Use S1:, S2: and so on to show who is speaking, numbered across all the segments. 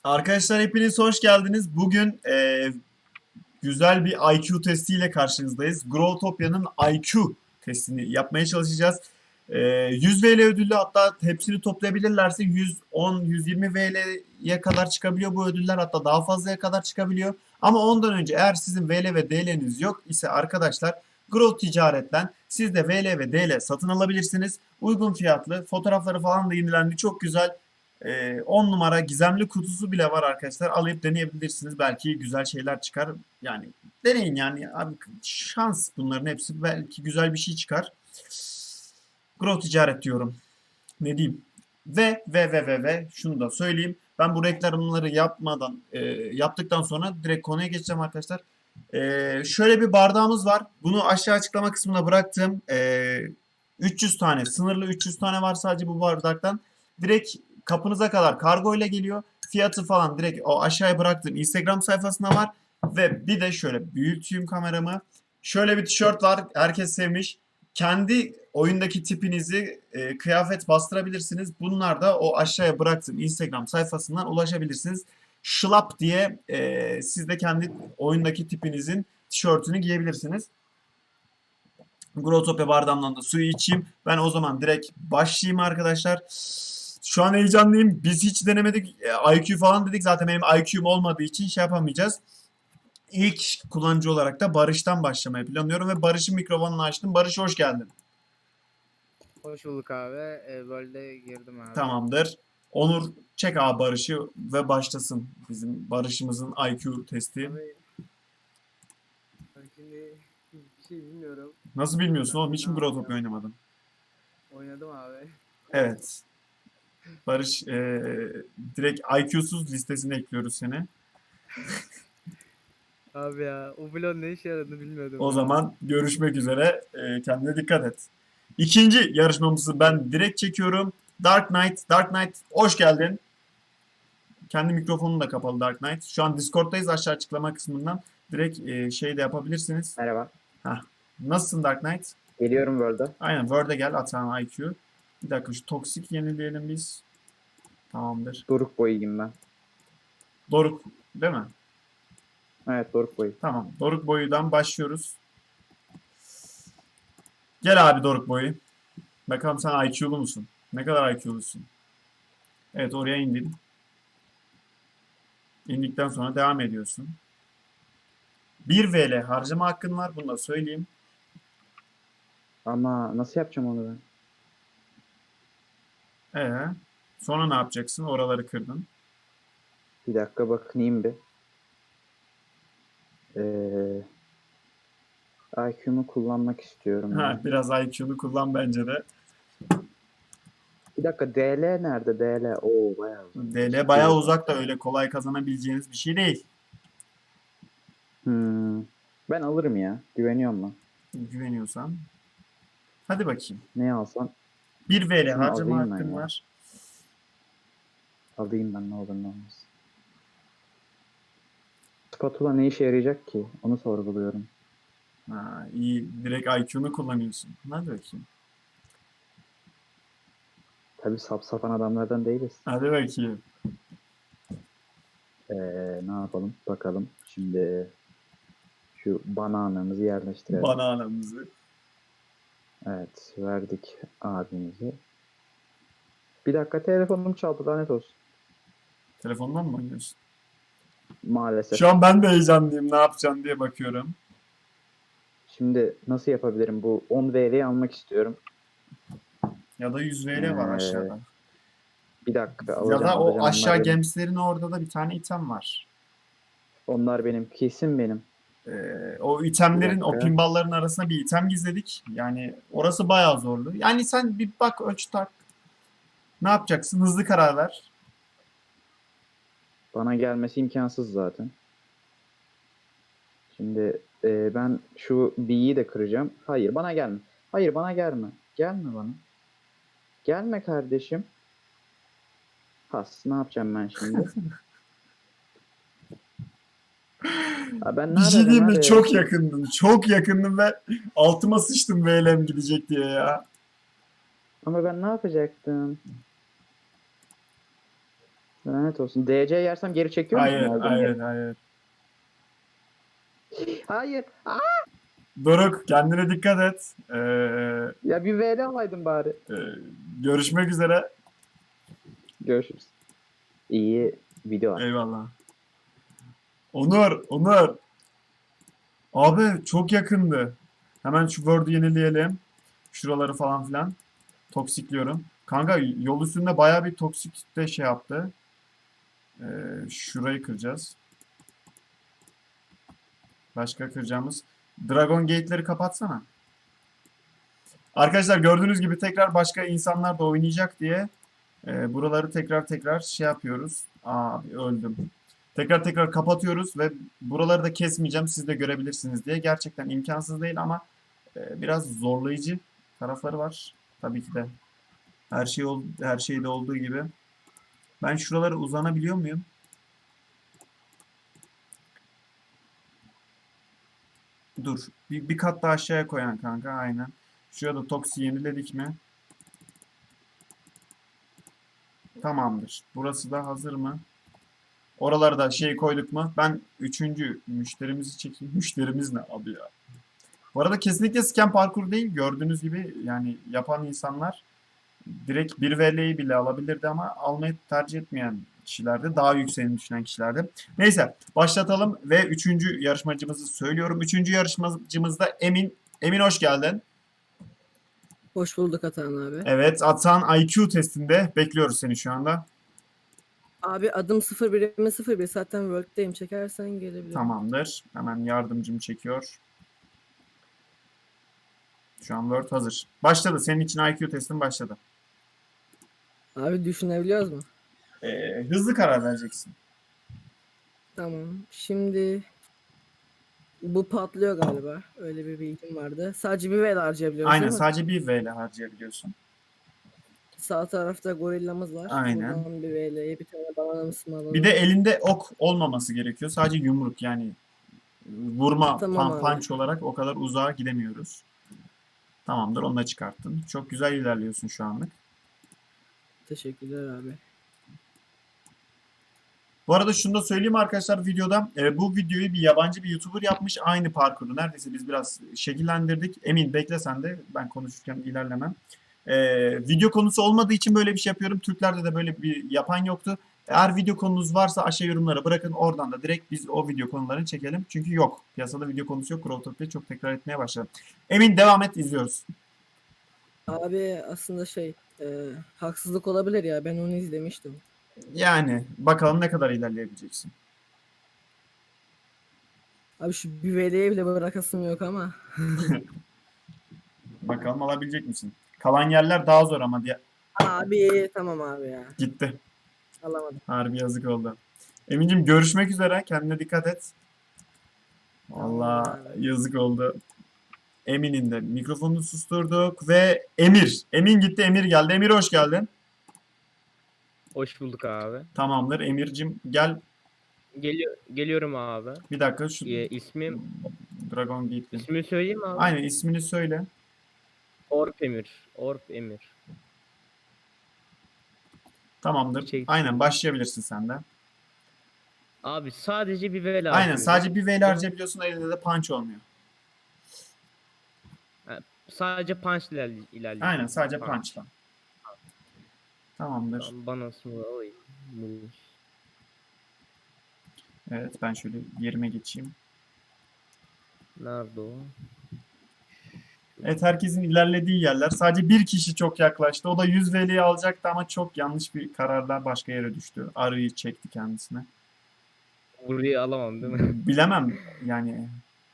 S1: Arkadaşlar hepiniz hoş geldiniz. Bugün güzel bir IQ testiyle karşınızdayız. Growtopia'nın IQ testini yapmaya çalışacağız. 100 VL ödüllü, hatta hepsini toplayabilirlerse 110-120 VL'ye kadar çıkabiliyor bu ödüller. Hatta daha fazlaya kadar çıkabiliyor. Ama ondan önce eğer sizin VL ve DL'niz yok ise arkadaşlar Grow Ticaret'ten siz de VL ve DL satın alabilirsiniz. Uygun fiyatlı, fotoğrafları falan da yenilendi. Çok güzel. 10 numara gizemli kutusu bile var arkadaşlar. Alıp deneyebilirsiniz. Belki güzel şeyler çıkar. Yani deneyin yani. Abi, şans bunların hepsi. Belki güzel bir şey çıkar. Grow ticaret diyorum. Ne diyeyim? Ve şunu da söyleyeyim. Ben bu reklamları yaptıktan sonra direkt konuya geçeceğim arkadaşlar. Şöyle bir bardağımız var. Bunu aşağı açıklama kısmına bıraktım. 300 tane, sınırlı 300 tane var sadece bu bardaktan. Direkt kapınıza kadar kargo ile geliyor. Fiyatı falan direkt o aşağıya bıraktığım Instagram sayfasında var. Ve bir de şöyle büyüteyim kameramı. Şöyle bir tişört var. Herkes sevmiş. Kendi oyundaki tipinizi kıyafet bastırabilirsiniz. Bunlar da o aşağıya bıraktığım Instagram sayfasından ulaşabilirsiniz. Şlap diye siz de kendi oyundaki tipinizin tişörtünü giyebilirsiniz. Growtopia bardağımdan da suyu içeyim. Ben o zaman direkt başlayayım arkadaşlar. Şu an heyecanlıyım. Biz hiç denemedik. IQ falan dedik. Zaten benim IQ'm olmadığı için şey yapamayacağız. İlk kullanıcı olarak da Barış'tan başlamayı planlıyorum ve Barış'ın mikrofonunu açtım. Barış hoş geldin.
S2: Hoş bulduk abi. Böyle girdim abi.
S1: Tamamdır. Onur çek abi Barış'ı ve başlasın bizim Barış'ımızın IQ testi.
S2: Abi ben şimdi hiçbir şey bilmiyorum.
S1: Nasıl bilmiyorsun oğlum?
S2: Ben
S1: Hiç
S2: ne
S1: mi Growtopia
S2: yapacağım?
S1: oynamadın?
S2: Oynadım abi.
S1: Evet. Barış direkt IQ'suz listesine ekliyoruz seni.
S2: Abi ya o blon ne işe yaradığını bilmiyordum
S1: O
S2: ya.
S1: zaman görüşmek üzere. Kendine dikkat et. İkinci yarışmamızı ben direkt çekiyorum. Dark Knight. Dark Knight hoş geldin. Kendi mikrofonun da kapalı Dark Knight. Şu an Discord'dayız, aşağı açıklama kısmından. Direkt şey de yapabilirsiniz.
S3: Merhaba.
S1: Heh. Nasılsın Dark Knight?
S3: Geliyorum World'a.
S1: Aynen Word'e gel, Atan IQ. Bir dakika şu toksik yenileyelim biz. Tamamdır.
S3: Doruk boyuyum ben.
S1: Doruk değil mi?
S3: Evet, Doruk boyu.
S1: Tamam. Doruk boyudan başlıyoruz. Gel abi Doruk boyu. Bakalım sen IQ'lu musun? Ne kadar IQ'lusun? Evet, oraya indin. İndikten sonra devam ediyorsun. 1 VL harcama hakkın var. Bunu da söyleyeyim.
S3: Ama nasıl yapacağım onu ben?
S1: Ee, sonra ne yapacaksın? Oraları kırdın.
S3: Bir dakika bakayım bir. IQ'mu kullanmak istiyorum
S1: Ha,
S3: ya.
S1: biraz IQ'lu kullan bence de.
S3: Bir dakika, DL nerede? DL. Oo, bayağı uzak.
S1: DL bayağı uzak da öyle kolay kazanabileceğiniz bir şey değil.
S3: Ben alırım ya. Güveniyorum ben.
S1: Güveniyorsan. Hadi bakayım.
S3: Ne alsam?
S1: 1 VL
S3: Şunu
S1: harcama
S3: alayım ben
S1: hakkın
S3: ya.
S1: var.
S3: Alayım ben, ne olur ne olmaz. Spatula ne işe yarayacak ki? Onu sorguluyorum.
S1: Ha, iyi. Direkt IQ'nu kullanıyorsun. Hadi bakayım.
S3: Tabii sap sapan adamlardan değiliz.
S1: Hadi bakayım.
S3: Ne yapalım? Bakalım. Şimdi şu bananamızı yerleştirelim.
S1: Bananamızı.
S3: Evet, verdik abimizi. Bir dakika, telefonum çaldı, lanet olsun.
S1: Telefondan mı oynuyorsun?
S3: Maalesef.
S1: Şu an ben de heyecanlıyım. Ne yapacağım diye bakıyorum.
S3: Şimdi nasıl yapabilirim? Bu 10 VL'yi almak istiyorum.
S1: Ya da 100 VL var aşağıda.
S3: Bir dakika,
S1: Ya
S3: alacağım
S1: da o
S3: alacağım.
S1: aşağı
S3: Onlar benim.
S1: gemslerin orada da bir tane item var.
S3: Onlar benim. Kesin benim.
S1: O
S3: Bir
S1: itemlerin, o
S3: dakika.
S1: pinballların arasına bir item gizledik. Yani orası bayağı zorlu. Yani sen bir bak, ölç, tak. Ne yapacaksın? Hızlı karar ver.
S3: Bana gelmesi imkansız zaten. Şimdi ben şu B'yi de kıracağım. Hayır, bana gelme. Hayır, bana gelme. Gelme bana. Gelme kardeşim. Has, ne yapacağım ben şimdi? Ha, ben
S1: Bir şey diyeyim mi?
S3: nerede?
S1: Çok yakındım. Çok yakındım ve altıma sıçtım VL'm gidecek diye ya.
S3: Ama ben ne yapacaktım? Lanet olsun. DC yersem geri çekiyor musun
S1: Hayır,
S3: aldığın
S1: hayır,
S3: yeri?
S1: hayır.
S3: Hayır. Aa!
S1: Doruk, kendine dikkat et.
S3: Ya bir VL alaydın bari.
S1: E, görüşmek üzere.
S3: Görüşürüz. İyi video var.
S1: Eyvallah. Onur, Onur. Abi çok yakındı. Hemen şu Word'u yenileyelim. Şuraları falan filan. Toksikliyorum. Kanka yol üstünde baya bir toksik de şey yaptı. Şurayı kıracağız. Başka kıracağımız. Dragon Gate'leri kapatsana. Arkadaşlar gördüğünüz gibi tekrar başka insanlar da oynayacak diye buraları tekrar şey yapıyoruz. Abi öldüm. Tekrar kapatıyoruz ve buraları da kesmeyeceğim. Siz de görebilirsiniz diye. Gerçekten imkansız değil ama biraz zorlayıcı tarafları var. Tabii ki de her şeyde olduğu gibi. Ben şuralara uzanabiliyor muyum? Dur. Bir kat daha aşağıya koyan kanka. Aynen. Şurada Toxi yeniledik mi? Tamamdır. Burası da hazır mı? Oralara da şey koyduk mu? Ben üçüncü müşterimizi çekeyim. Müşterimiz ne abi ya? Bu arada kesinlikle scam parkur değil. Gördüğünüz gibi yani yapan insanlar direkt 1 VL'yi bile alabilirdi ama almayı tercih etmeyen kişilerdi. Daha yükseğini düşünen kişilerdi. Neyse başlatalım ve üçüncü yarışmacımızı söylüyorum. Üçüncü yarışmacımız da Emin. Emin hoş geldin.
S2: Hoş bulduk Atan abi.
S1: Evet, Atan IQ testinde bekliyoruz seni şu anda.
S2: Abi adım 01'ime 01. Zaten World'deyim. Çekersen gelebilirim.
S1: Tamamdır. Hemen yardımcım çekiyor. Şu an Word hazır. Başladı. Senin için IQ testin başladı.
S2: Abi düşünebiliyoruz mu?
S1: Hızlı karar vereceksin.
S2: Tamam. Şimdi bu patlıyor galiba. Öyle bir bilgim vardı. Sadece bir VL harcayabiliyoruz
S1: Aynen
S2: değil mi?
S1: sadece 1 VL harcayabiliyorsun.
S2: Sağ tarafta gorillamız var.
S1: Aynen.
S2: Buradan bir VL'ye bir tane bananamız mı alalım?
S1: Bir de elinde ok olmaması gerekiyor. Sadece yumruk yani vurma
S2: Tamam abi.
S1: punch olarak o kadar uzağa gidemiyoruz. Tamamdır onu da çıkarttın. Çok güzel ilerliyorsun şu anlık.
S2: Teşekkürler abi.
S1: Bu arada şunu da söyleyeyim arkadaşlar videoda. Bu videoyu bir yabancı bir YouTuber yapmış. Aynı parkuru. Neredeyse biz biraz şekillendirdik. Emin bekle sen de. Ben konuşurken ilerlemem. Video konusu olmadığı için böyle bir şey yapıyorum. Türklerde de böyle bir yapan yoktu. Eğer video konunuz varsa aşağı yorumlara bırakın. Oradan da direkt biz o video konularını çekelim. Çünkü yok. Piyasada video konusu yok. Growtopia çok tekrar etmeye başladı. Emin devam et izliyoruz.
S2: Abi aslında haksızlık olabilir ya. Ben onu izlemiştim.
S1: Yani bakalım ne kadar ilerleyebileceksin.
S2: Abi şu bir VL'ye bile bırakasım yok ama.
S1: Bakalım alabilecek misin? Kalan yerler daha zor ama diye
S2: Abi tamam abi ya.
S1: gitti.
S2: Alamadım.
S1: Harbi yazık oldu. Emin'cim görüşmek üzere. Kendine dikkat et. Vallahi
S2: Tamam abi.
S1: yazık oldu. Emin'in de mikrofonunu susturduk ve Emir. Emin gitti, Emir geldi. Emir hoş geldin.
S4: Hoş bulduk abi.
S1: Tamamdır. Emir'cim gel.
S4: Geliyorum abi.
S1: Bir dakika şu
S4: İsmim
S1: Dragon Gate'in.
S4: ismini söyleyeyim mi abi?
S1: Aynen ismini söyle.
S4: Orp Emir. Orp Emir.
S1: Tamamdır.
S4: Çektim.
S1: Aynen başlayabilirsin sen de.
S4: Abi sadece bir vela
S1: Aynen
S4: harcıyorum.
S1: sadece bir VL harcayabiliyorsun. Elinde de punch olmuyor.
S4: Sadece punch ilerleyeceğim.
S1: Aynen sadece punch'la. Tamamdır.
S4: Tamam, bana sonra alayım.
S1: Evet ben şöyle yerime geçeyim.
S4: Nerede o?
S1: Evet herkesin ilerlediği yerler. Sadece bir kişi çok yaklaştı. O da 100 VL'yi alacaktı ama çok yanlış bir kararla başka yere düştü. Arıyı çekti kendisine.
S4: Burayı alamam değil mi?
S1: Bilemem yani.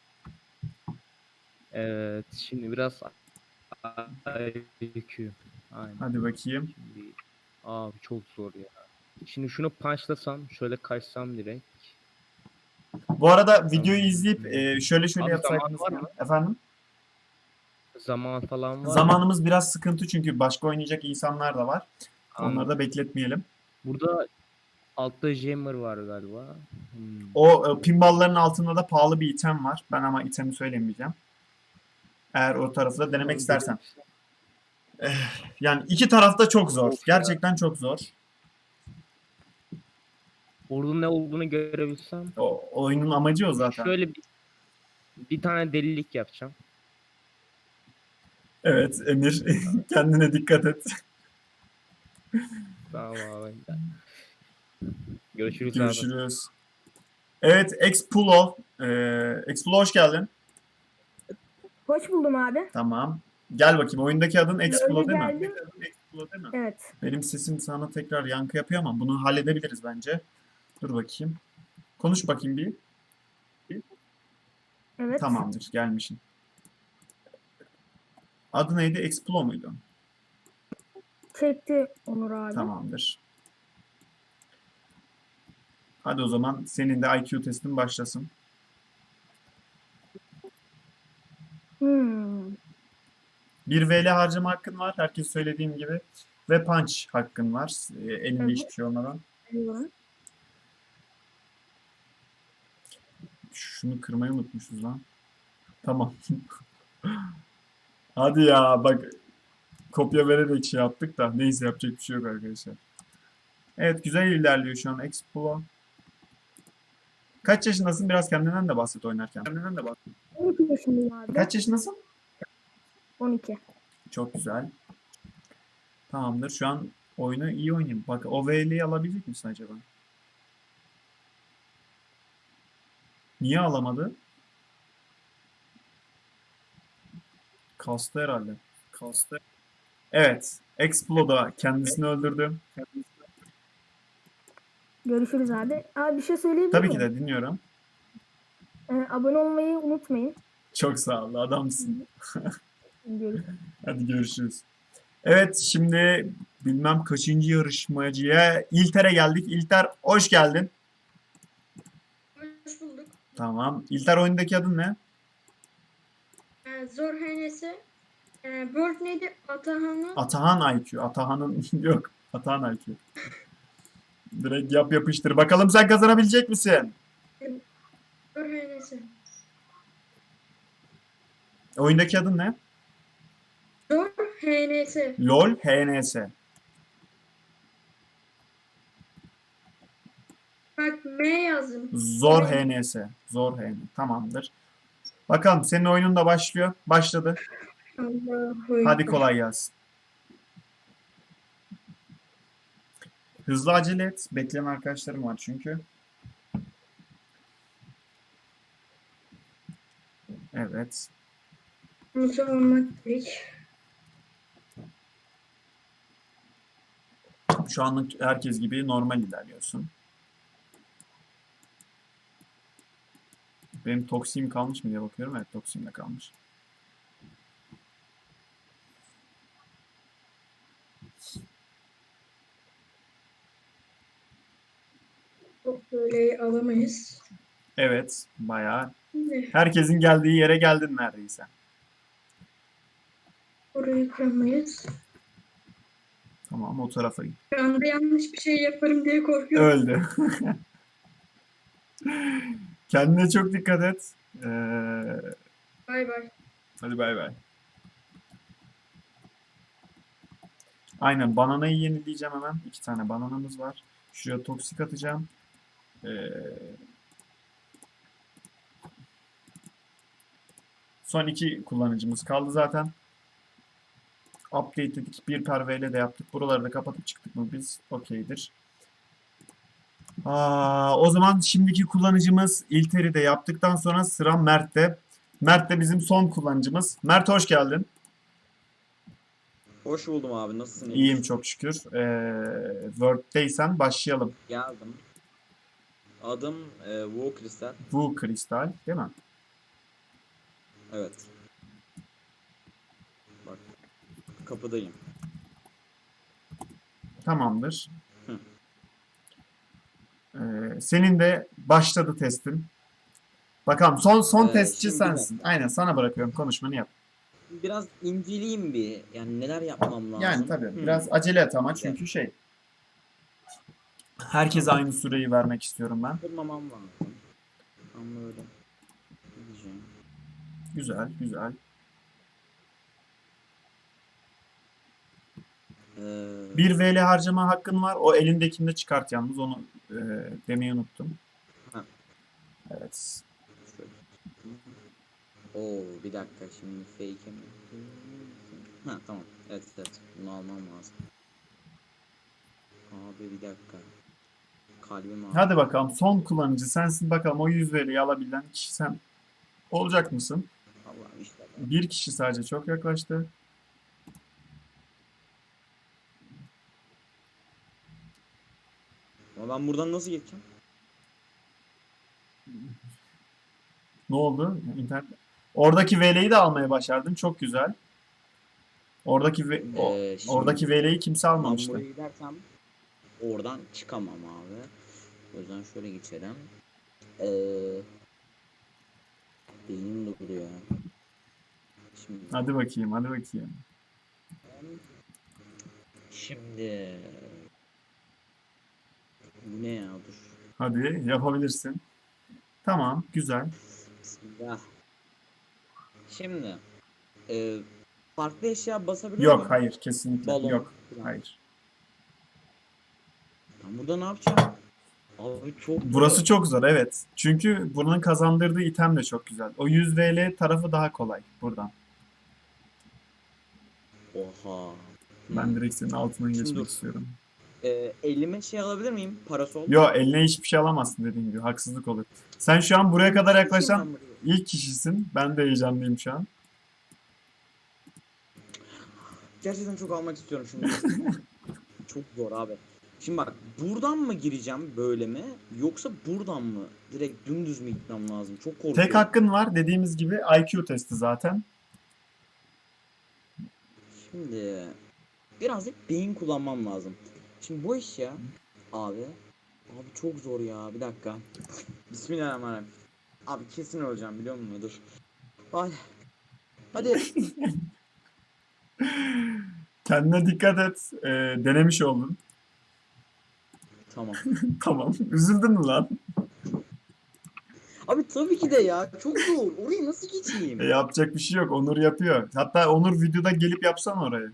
S4: Evet. Şimdi biraz IQ. Aynen.
S1: Hadi bakayım.
S4: Şimdi, abi çok zor ya. Şimdi şunu punchlasam, şöyle kaçsam direkt.
S1: Bu arada videoyu izleyip şöyle
S4: Abi
S1: yapsaydınız.
S4: zaman var mı?
S1: Efendim?
S4: Zaman falan var mı?
S1: Zamanımız biraz sıkıntı çünkü başka oynayacak insanlar da var. Onları
S4: Anladım.
S1: da bekletmeyelim.
S4: Burada altta jammer var galiba.
S1: O pinballların altında da pahalı bir item var. Ben ama itemi söylemeyeceğim. Eğer o tarafı da denemek istersen. Yani iki taraf da çok zor.
S4: Of ya.
S1: Gerçekten çok zor.
S4: Orada ne olduğunu görebilsem.
S1: O oyunun amacı o zaten.
S4: Şöyle bir tane delilik yapacağım.
S1: Evet Emir, kendine dikkat et.
S4: Tamam abi. Görüşürüz abi.
S1: Görüşürüz. Evet Expulo. Expulo hoş geldin.
S5: Hoş buldum abi.
S1: Tamam. Gel bakayım. Oyundaki adın Expulo
S5: Böyle
S1: değil mi?
S5: geldim.
S1: Expulo değil mi?
S5: Evet.
S1: Benim sesim sana tekrar yankı yapıyor ama bunu halledebiliriz bence. Dur bakayım. Konuş bakayım bir.
S5: Evet.
S1: Tamamdır. Gelmişsin. Adı neydi? Expulo muydu?
S5: Çekti Onur abi.
S1: Tamamdır. Hadi o zaman senin de IQ testin başlasın.
S5: Hmm.
S1: Bir VL harcama hakkın var. Herkes söylediğim gibi. Ve punch hakkın var. Elinde
S5: Evet.
S1: hiçbir şey olmadan.
S5: Biliyorum.
S1: Şunu kırmayı unutmuşuz lan. Tamam. Hadi ya bak kopya vererek şey yaptık da neyse yapacak bir şey yok arkadaşlar. Evet güzel ilerliyor şu an Expo. Kaç yaşındasın? Biraz kendinden de bahset oynarken. Kendinden de bahset.
S5: 12 yaşındayım abi.
S1: Kaç yaşındasın?
S5: 12.
S1: Çok güzel. Tamamdır. Şu an oyunu iyi oynayayım. Bak o VL'yi alabilecek misin acaba? Niye alamadı? Kastı herhalde. Kastı. Evet. Exploda kendisini öldürdü.
S5: Görüşürüz abi. Abi bir şey söyleyebilir
S1: Tabii ki
S5: miyim?
S1: de dinliyorum.
S5: Abone olmayı unutmayın.
S1: Çok sağ ol. Adamsın.
S5: Görüşürüz.
S1: Hadi görüşürüz. Evet şimdi bilmem kaçıncı yarışmacıya İlter'e geldik. İlter hoş geldin.
S6: Hoş bulduk.
S1: Tamam. İlter oyundaki adın ne?
S6: Zor Henesi. Bird neydi? Atahan'ı.
S1: Atahan IQ. Atahan'ın yok. Atahan IQ. Direkt yap yapıştır. Bakalım sen kazanabilecek misin?
S6: Zor Henesi.
S1: Oyundaki adın ne?
S6: Zor Henesi.
S1: LOL HNS.
S6: Bak M yazdım.
S1: Zor
S6: Evet.
S1: HNS. Zor HNS. Tamamdır. Bakalım senin oyunun da başlıyor. Başladı.
S6: Allahu
S1: Hadi
S6: Ekber.
S1: kolay gelsin. Hızlı acele et. Bekleyen arkadaşlarım var çünkü. Evet.
S6: Mutlu olmak gerek.
S1: Şu anlık herkes gibi normal ilerliyorsun. Benim toksiğim kalmış mı diye bakıyorum. Evet toksiğim de kalmış.
S6: Çok böyle alamayız.
S1: Evet bayağı.
S6: Şimdi
S1: Herkesin geldiği yere geldin neredeyse.
S6: orayı kıramayız.
S1: Tamam o tarafa git.
S6: Şu anda yanlış bir şey yaparım diye korkuyorum.
S1: Öldü. Kendine çok dikkat et.
S6: Bay bay.
S1: Hadi bay bay. Aynen bananayı yenileyeceğim hemen. 2 tane bananamız var. Şuraya toksik atacağım. Son 2 kullanıcımız kaldı zaten. Update dedik. Bir perveyle de yaptık. Buraları da kapatıp çıktık mı biz? Okeydir. O zaman şimdiki kullanıcımız İlter'i de yaptıktan sonra sıra Mert'te. Mert de bizim son kullanıcımız. Mert hoş geldin.
S7: Hoş buldum abi. Nasılsın?
S1: İyiyim çok şükür. Word'deysen başlayalım.
S7: Geldim. Adım Wu Kristal.
S1: Bu kristal değil mi?
S7: Evet. Bak. Kapıdayım.
S1: Tamamdır.
S7: Hı.
S1: Senin de başladı testin. Bakalım son testçi
S7: şimdi
S1: sensin. Aynen sana bırakıyorum konuşmanı yap.
S7: Biraz inceleyeyim bir. Yani neler yapmam lazım.
S1: Yani tabii
S7: Hı.
S1: biraz acele et ama
S7: Güzel.
S1: çünkü herkese aynı süreyi vermek istiyorum ben.
S7: Kırmamam lazım. Ama öyle. Gideceğim.
S1: Güzel güzel. Bir VL harcama hakkın var. O elindekini de çıkart yalnız. Onu demeyi unuttum.
S7: Ha.
S1: Evet.
S7: Şöyle. Oo bir dakika şimdi fake'e mi? Ha tamam. Evet evet. Bunu almam lazım. Abi bir dakika. Kalbim ağrıyor.
S1: Hadi bakalım. Son kullanıcı sensin. Bakalım o 100 VL'yi alabilen kişi sen olacak mısın?
S7: Allah'ım işte.
S1: Bir kişi sadece çok yaklaştı.
S7: Ama ben buradan nasıl geçeceğim?
S1: Ne oldu? İnternet. Oradaki VL'yi de almaya başardın. Çok güzel. Oradaki
S7: Şimdi
S1: oradaki VL'yi kimse
S7: ben
S1: almamıştı.
S7: buraya gidersem oradan çıkamam abi. O yüzden şöyle geçelim. Beynim duruyor. Şimdi
S1: Hadi bakayım, hadi bakayım.
S7: Şimdi bu ne ya dur.
S1: Hadi yapabilirsin. Tamam, güzel.
S7: Bismillah. Şimdi farklı eşya basabiliyor
S1: Yok,
S7: muyum?
S1: hayır, kesinlikle
S7: Balon
S1: yok.
S7: falan.
S1: Hayır.
S7: Ben burada ne yapacağım? Abi çok
S1: Burası
S7: zor.
S1: çok zor, evet. Çünkü bunun kazandırdığı item de çok güzel. O 100 VL tarafı daha kolay buradan.
S7: Oha.
S1: Ben direkt senin altından
S7: Şimdi
S1: geçmek
S7: dur.
S1: istiyorum.
S7: Elime şey alabilir miyim? Parasol.
S1: Yo, eline hiçbir şey alamazsın dediğin gibi. Haksızlık olur. Sen şu an buraya kadar yaklaşan
S7: Geçeyim ben buraya.
S1: ilk kişisin. Ben de heyecanlıyım şu an.
S7: Gerçekten çok almak istiyorum şimdi. Çok zor abi. Şimdi bak buradan mı gireceğim böyle mi? Yoksa buradan mı? Direkt dümdüz mü gitmem lazım? Çok korkuyorum.
S1: Tek hakkın var. Dediğimiz gibi IQ testi zaten.
S7: Şimdi birazcık beyin kullanmam lazım. Şimdi bu iş ya abi. Abi çok zor ya. Bir dakika. Bismillahirrahmanirrahim. Abi kesin öleceğim biliyor musun? Dur. Hadi. Hadi.
S1: Kendine dikkat et. Denemiş oldun.
S7: Tamam.
S1: Tamam. Üzüldün mü lan?
S7: Abi tabii ki de ya. Çok zor. Orayı nasıl geçeyim?
S1: Yapacak bir şey yok. Onur yapıyor. Hatta Onur videoda gelip yapsan orayı.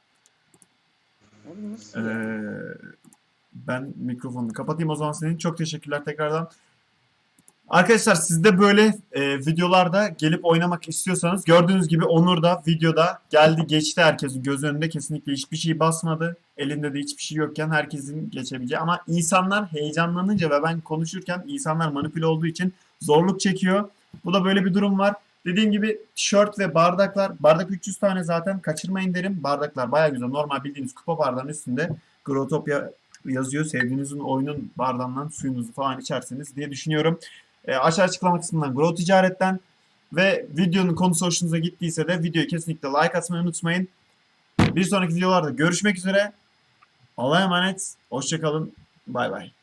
S7: Abi nasıl ya?
S1: Ben mikrofonunu kapatayım o zaman senin. Çok teşekkürler tekrardan. Arkadaşlar siz de böyle videolarda gelip oynamak istiyorsanız gördüğünüz gibi Onur da videoda geldi geçti herkesin göz önünde kesinlikle hiçbir şey basmadı. Elinde de hiçbir şey yokken herkesin geçebileceği ama insanlar heyecanlanınca ve ben konuşurken insanlar manipüle olduğu için zorluk çekiyor. Bu da böyle bir durum var. Dediğim gibi tişört ve bardaklar. Bardak 300 tane zaten kaçırmayın derim. Bardaklar baya güzel. Normal bildiğiniz kupa bardağın üstünde Growtopia yazıyor. Sevdiğinizin oyunun bardağından suyunuzu falan içersiniz diye düşünüyorum. Aşağı açıklama kısmından Grow Ticaret'ten ve videonun konusu hoşunuza gittiyse de videoyu kesinlikle like atmayı unutmayın. Bir sonraki videolarda görüşmek üzere. Allah'a emanet. Hoşça kalın. Bay bay.